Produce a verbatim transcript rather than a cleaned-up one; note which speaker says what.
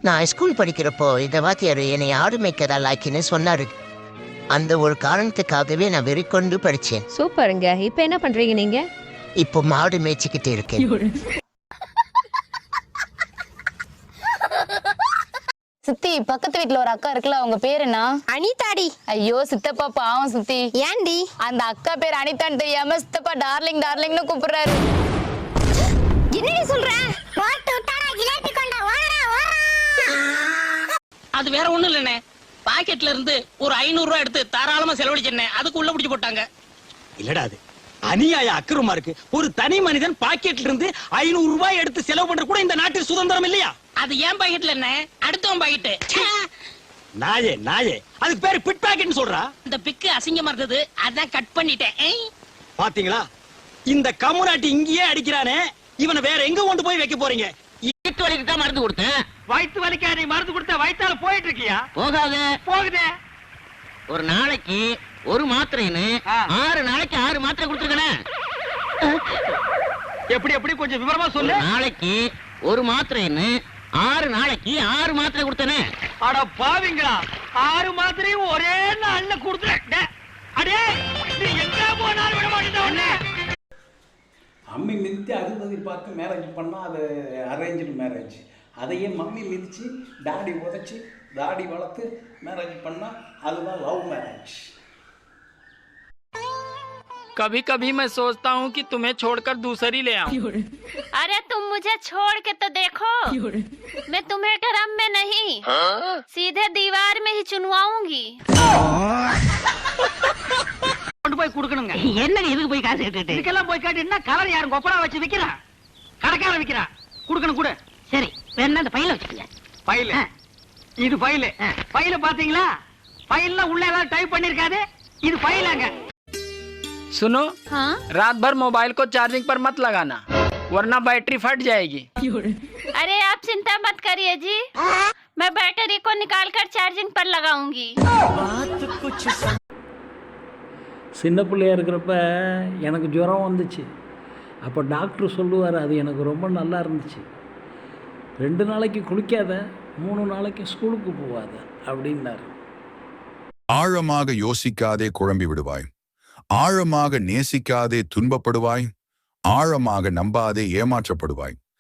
Speaker 1: நான் ஸ்கூல் படிக்கிறப்போ இந்த வாத்தியார் என்னை ஆடு மேய்க்கதா லாக்கின்னு சொன்னாரு. அந்த ஒரு காரணத்துக்காகவே நான் வெறிக்கொண்டு படிச்சேன்.
Speaker 2: சூப்பருங்க. இப்ப என்ன பண்றீங்க நீங்க?
Speaker 1: இப்போ மாடு மேய்ச்சிக்கிட்டு இருக்கேன்.
Speaker 3: சித்தி, பக்கத்து வீட்ல ஒரு அக்கா இருக்குல்ல, அவங்க பேர் என்ன?
Speaker 4: அனிதாடி.
Speaker 3: ஐயோ சித்தப்பா பாவம் சித்தி.
Speaker 4: ஏன்டி?
Speaker 3: அந்த அக்கா பேர் அனிதான்னு தெரியாம சித்தப்பா டார்லிங் டார்லிங்னு கூப்பிடுறாரு.
Speaker 4: என்னடி சொல்ற? போட்டு விட்டாடா ஜிலேபி கொண்டா ஓடா ஓடா.
Speaker 5: அது வேற ஒண்ணும் இல்லனே. பாக்கெட்ல இருந்து ஒரு ஐநூறு ரூபாய் எடுத்து தாராளமா செலவழிச்சேனே. அதுக்கு உள்ள பிடிச்சு போட்டாங்க.
Speaker 6: இல்லடா அது அநியாய அக்கிரமா இருக்கு. ஒரு தனி மனிதன் பாக்கெட்ல இருந்து ஐநூறு ரூபாய் எடுத்து செலவு பண்ற கூட இந்த நாட்டில் சுதந்திரம் இல்லையா?
Speaker 5: அது ஏன் பாக்கெட்ல என்ன? அடுத்தவன் பாக்கெட்.
Speaker 6: நாயே நாயே, அதுக்கு பேரு பிட் பாக்கெட்னு சொல்றா.
Speaker 5: இந்த பிக்கு அசிங்கமா இருந்தது, அதான் கட் பண்ணிட்டேன்.
Speaker 6: பாத்தீங்களா, இந்த கம்முனாட்டி இங்கேயே அடிக்கிறானே, இவனை வேற எங்க கொண்டு போய் வைக்க போறீங்க?
Speaker 5: வயிற்று வலிக்கு தான் மருந்து கொடுத்தேன்.
Speaker 6: வயிற்று வலிக்கா நீ மருந்து கொடுத்த? வயிற்றால போயிட்டு இருக்கியா?
Speaker 5: போகாத.
Speaker 6: போகுதே.
Speaker 5: ஒரு நாளைக்கு ஒரு மாத்திரைன்னு ஆறு நாளைக்கு ஆறு மாத்திரை கொடுத்துருக்கேன்.
Speaker 6: எப்படி எப்படி கொஞ்சம் விவரமா சொல்லு.
Speaker 5: நாளைக்கு ஒரு மாத்திரைன்னு ஆறு நாளைக்கு ஆறு மாத்திரை கொடுத்தனே.
Speaker 6: அட பாவிங்களா, ஆறு மாத்திரையும் ஒரே நாள்ல கொடுத்துட்ட. அடே நீ எங்க போனாலும் விட மாட்டேன் உன்னை.
Speaker 7: அம்மி மிதித்து அறுபது பார்த்து மேரேஜ் பண்ணால் அது அரேஞ்சு மேரேஜ். அதையே மம்மி மிதித்து டாடி உதச்சி தாடி வளர்த்து மேரேஜ் பண்ணால் அதுதான் லவ் மேரேஜ்.
Speaker 8: कभी कभी मैं सोचता हूँ कि तुम्हें छोड़कर दूसरी ले आऊं।
Speaker 9: अरे तुम मुझे छोड़ के तो देखो, मैं तुम्हें ड्रम में नहीं सीधे दीवार में ही चुनवाऊंगी.
Speaker 5: கொண்டு போய் கொடுக்கணுங்க. என்னங்க இதுக்கு போய் காசு கேட்டுட்டு? இதுக்கெல்லாம் போய் காட்டினா கலர் யாரும் கொப்பரா வச்சு விக்கிறா? கடைக்காரன் விக்கிறா. கொடுக்கணும் கூட. சரி, வேணா அந்த பையில வச்சுக்கங்க.
Speaker 6: ஃபைல் இது ஃபைல். ஃபைல பாத்தீங்களா? ஃபைல்ல உள்ள எல்லாம் டைப் பண்ணிருக்காது. இது ஃபைலாங்க.
Speaker 8: सुनो,
Speaker 9: हाँ?
Speaker 8: रात भर मोबाइल को चार्जिंग पर मत लगाना, वरना बैटरी फट जाएगी.
Speaker 9: अरे आप चिंता मत करिए जी, मैं बैटरी को निकाल कर चार्जिंग पर लगाऊंगी.
Speaker 7: சின்ன பிள்ளையா இருக்கிறப்ப எனக்கு ஜுரம் வந்துச்சு. அப்போ டாக்டர் சொல்லுவார், அது எனக்கு ரொம்ப நல்லா இருந்துச்சு. ரெண்டு நாளைக்கு குளிக்காத, மூணு நாளைக்கு ஸ்கூலுக்கு போவாத அப்படின்னாரு.
Speaker 10: ஆழமாக யோசிக்காதே குழம்பி விடுவாய், ஆழமாக நேசிக்காதே துன்பப்படுவாய், ஆழமாக நம்பாதே ஏமாற்றப்படுவாய்.